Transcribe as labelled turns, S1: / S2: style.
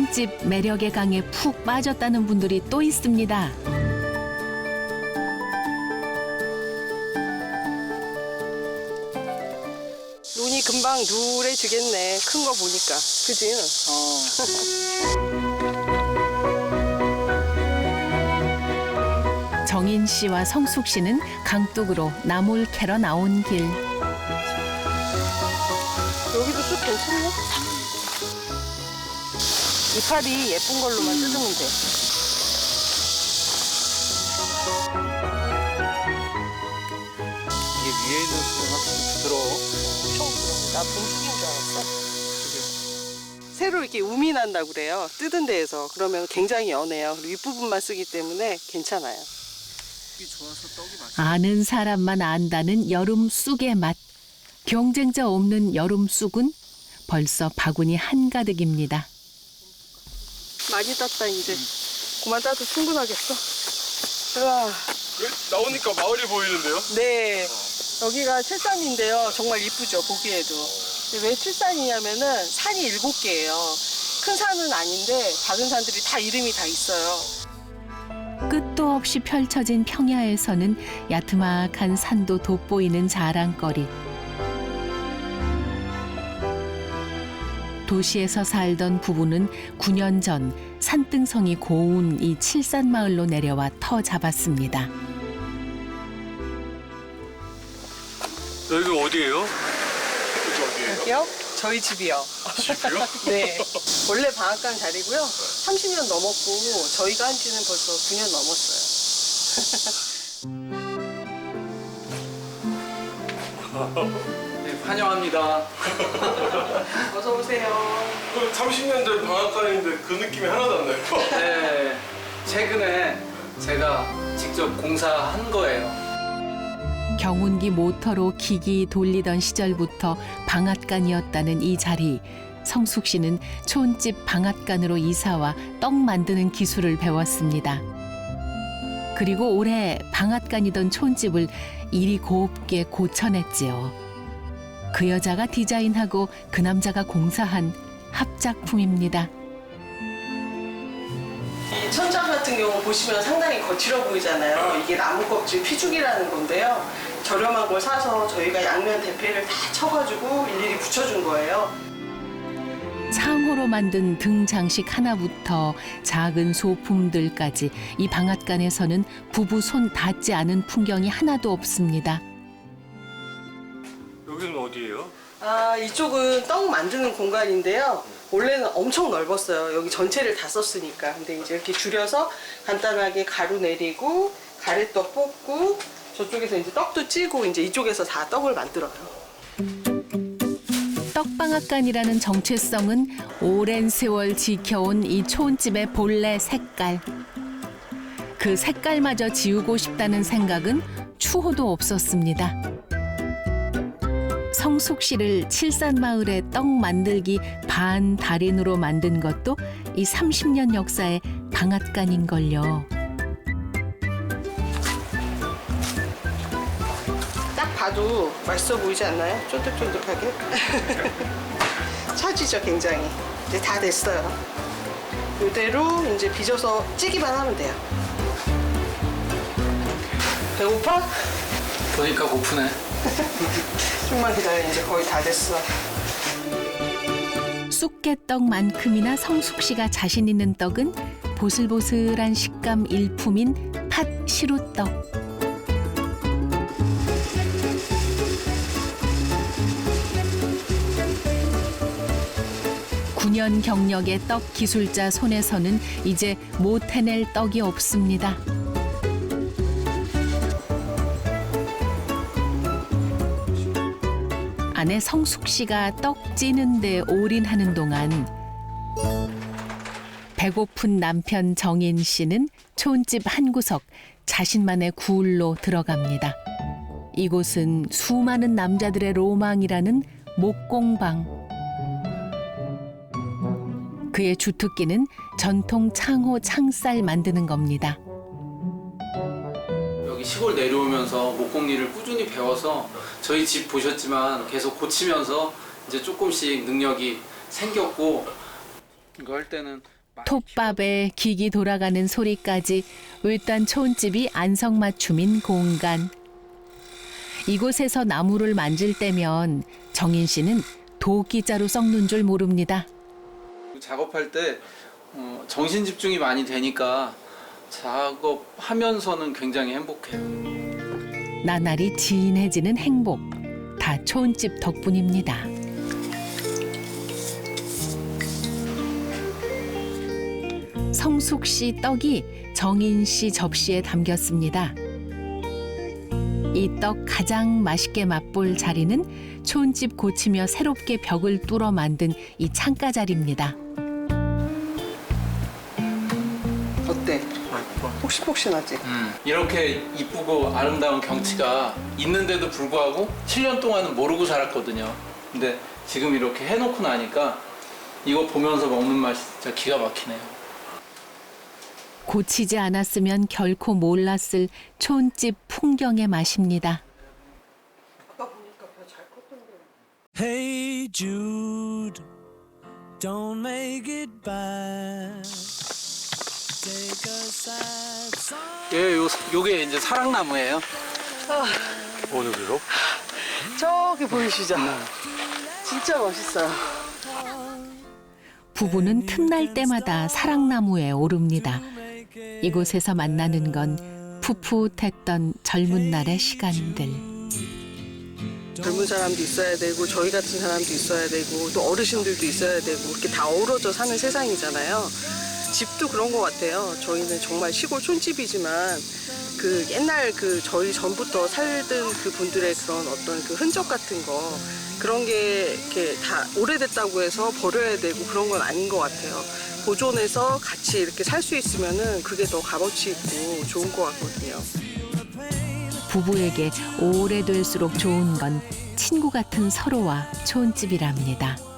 S1: 촌집 매력의 강에 푹 빠졌다는 분들이 또 있습니다.
S2: 눈이 금방 누래지겠네. 큰 거 보니까. 그지?
S1: 정인 씨와 성숙 씨는 강둑으로 나물 캐러 나온 길.
S2: 여기도 쑥 괜찮네. 이파리 예쁜 걸로만 뜯으면 돼.
S3: 이게 위에 있는 쑥은 확실히 부드러워.
S2: 나 봄쑥인 줄 알았어. 새로 이렇게 um이 난다고 그래요. 뜯은 데에서. 그러면 굉장히 연해요. 그리고 윗부분만 쓰기 때문에 괜찮아요.
S3: 쑥이 좋아서 떡이 맛있어.
S1: 아는 사람만 안다는 여름 쑥의 맛. 경쟁자 없는 여름 쑥은 벌써 바구니 한가득입니다.
S2: 많이 땄다 이제. 그만 따도 충분하겠어. 우와.
S4: 나오니까 마을이 보이는데요?
S2: 네. 여기가 칠산인데요. 정말 이쁘죠, 보기에도. 근데 왜 칠산이냐면은 산이 7개예요. 큰 산은 아닌데 작은 산들이 다 이름이 다 있어요.
S1: 끝도 없이 펼쳐진 평야에서는 야트막한 산도 돋보이는 자랑거리. 도시에서 살던 부부는 9년 전 산등성이 고운 이 칠산마을로 내려와 터 잡았습니다.
S4: 여기가 어디예요? 여기 어디예요?
S2: 여기요? 저희 집이요.
S4: 집이요?
S2: 네. 원래 방앗간 자리고요. 30년 넘었고 저희가 한 지는 벌써 9년 넘었어요.
S3: 네, 환영합니다.
S2: 어서 오세요.
S4: 30년 된 방앗간인데 그 느낌이 하나도 안 나요.
S3: 네, 최근에 제가 직접 공사한 거예요.
S1: 경운기 모터로 기기 돌리던 시절부터 방앗간이었다는 이 자리. 성숙 씨는 촌집 방앗간으로 이사와 떡 만드는 기술을 배웠습니다. 그리고 올해 방앗간이던 촌집을 이리 곱게 고쳐냈지요. 그 여자가 디자인하고 그 남자가 공사한 합작품입니다.
S2: 이 천장 같은 경우 보시면 상당히 거칠어 보이잖아요. 이게 나무 껍질 피죽이라는 건데요. 저렴한 걸 사서 저희가 양면 대패를 다 쳐가지고 일일이 붙여준 거예요.
S1: 창호로 만든 등 장식 하나부터 작은 소품들까지 이 방앗간에서는 부부 손 닿지 않은 풍경이 하나도 없습니다.
S4: 여기는 어디예요?
S2: 아, 이쪽은 떡 만드는 공간인데요. 원래는 엄청 넓었어요. 여기 전체를 다 썼으니까. 근데 이제 이렇게 줄여서 간단하게 가루 내리고 가래떡 볶고 저쪽에서 이제 떡도 찌고 이제 이쪽에서 다 떡을 만들어요.
S1: 떡방앗간이라는 정체성은 오랜 세월 지켜온 이 촌집의 본래 색깔. 그 색깔마저 지우고 싶다는 생각은 추호도 없었습니다. 성숙 씨를 칠산마을의 떡 만들기 반 달인으로 만든 것도 이 30년 역사의 방앗간인걸요.
S2: 딱 봐도 맛있어 보이지 않나요? 쫀득쫀득하게. 차지죠, 굉장히. 이제 다 됐어요. 이대로 이제 빚어서 찌기만 하면 돼요. 배고파?
S3: 보니까 고프네.
S2: 좀만 기다려. 이제 거의 다 됐어.
S1: 쑥개떡만큼이나 성숙 씨가 자신 있는 떡은 보슬보슬한 식감 일품인 팥 시루떡. (9년) 경력의 떡 기술자 손에서는 이제 못 해낼 떡이 없습니다. 아내 성숙 씨가 떡 찌는 데 올인하는 동안 배고픈 남편 정인 씨는 촌집 한 구석 자신만의 구울로 들어갑니다. 이곳은 수많은 남자들의 로망이라는 목공방. 그의 주특기는 전통 창호 창살 만드는 겁니다.
S3: 여기 시골 내려오면서 목공일을 꾸준히 배워서 저희 집 보셨지만 계속 고치면서 이제 조금씩 능력이 생겼고 이거 할 때는
S1: 톱밥에 기기 돌아가는 소리까지 을단 촌집이 안성맞춤인 공간. 이곳에서 나무를 만질 때면 정인 씨는 도끼자루 썩는 줄 모릅니다.
S3: 작업할 때 정신 집중이 많이 되니까 작업하면서는 굉장히 행복해요.
S1: 나날이 진해지는 행복. 다 촌집 덕분입니다. 성숙 씨 떡이 정인 씨 접시에 담겼습니다. 이 떡 가장 맛있게 맛볼 자리는 촌집 고치며 새롭게 벽을 뚫어 만든 이 창가 자리입니다.
S2: 어때? 폭신폭신하지?
S3: 이렇게 이쁘고 아름다운 경치가 있는데도 불구하고 7년 동안은 모르고 살았거든요. 근데 지금 이렇게 해놓고 나니까 이거 보면서 먹는 맛이 진짜 기가 막히네요.
S1: 고치지 않았으면 결코 몰랐을 촌집 풍경의 맛입니다.
S2: 아까 보니까 별 잘 컸던데.
S5: Hey Jude, don't make it bad. Take a sad song.
S3: 요게 이제 사랑나무예요.
S4: 어디로?
S2: 저기 보이시죠? 진짜 멋있어요.
S1: 부부는 틈날 때마다 사랑나무에 오릅니다. 이곳에서 만나는 건 풋풋했던 젊은 날의 시간들.
S2: 젊은 사람도 있어야 되고 저희 같은 사람도 있어야 되고 또 어르신들도 있어야 되고 이렇게 다 어우러져 사는 세상이잖아요. 집도 그런 것 같아요. 저희는 정말 시골 촌집이지만 그 옛날 그 저희 전부터 살던 그 분들의 그런 어떤 그 흔적 같은 거 그런 게 이렇게 다 오래됐다고 해서 버려야 되고 그런 건 아닌 것 같아요. 보존해서 같이 이렇게 살 수 있으면은 그게 더 값어치 있고 좋은 것 같거든요.
S1: 부부에게 오래될수록 좋은 건 친구 같은 서로와 촌집이랍니다.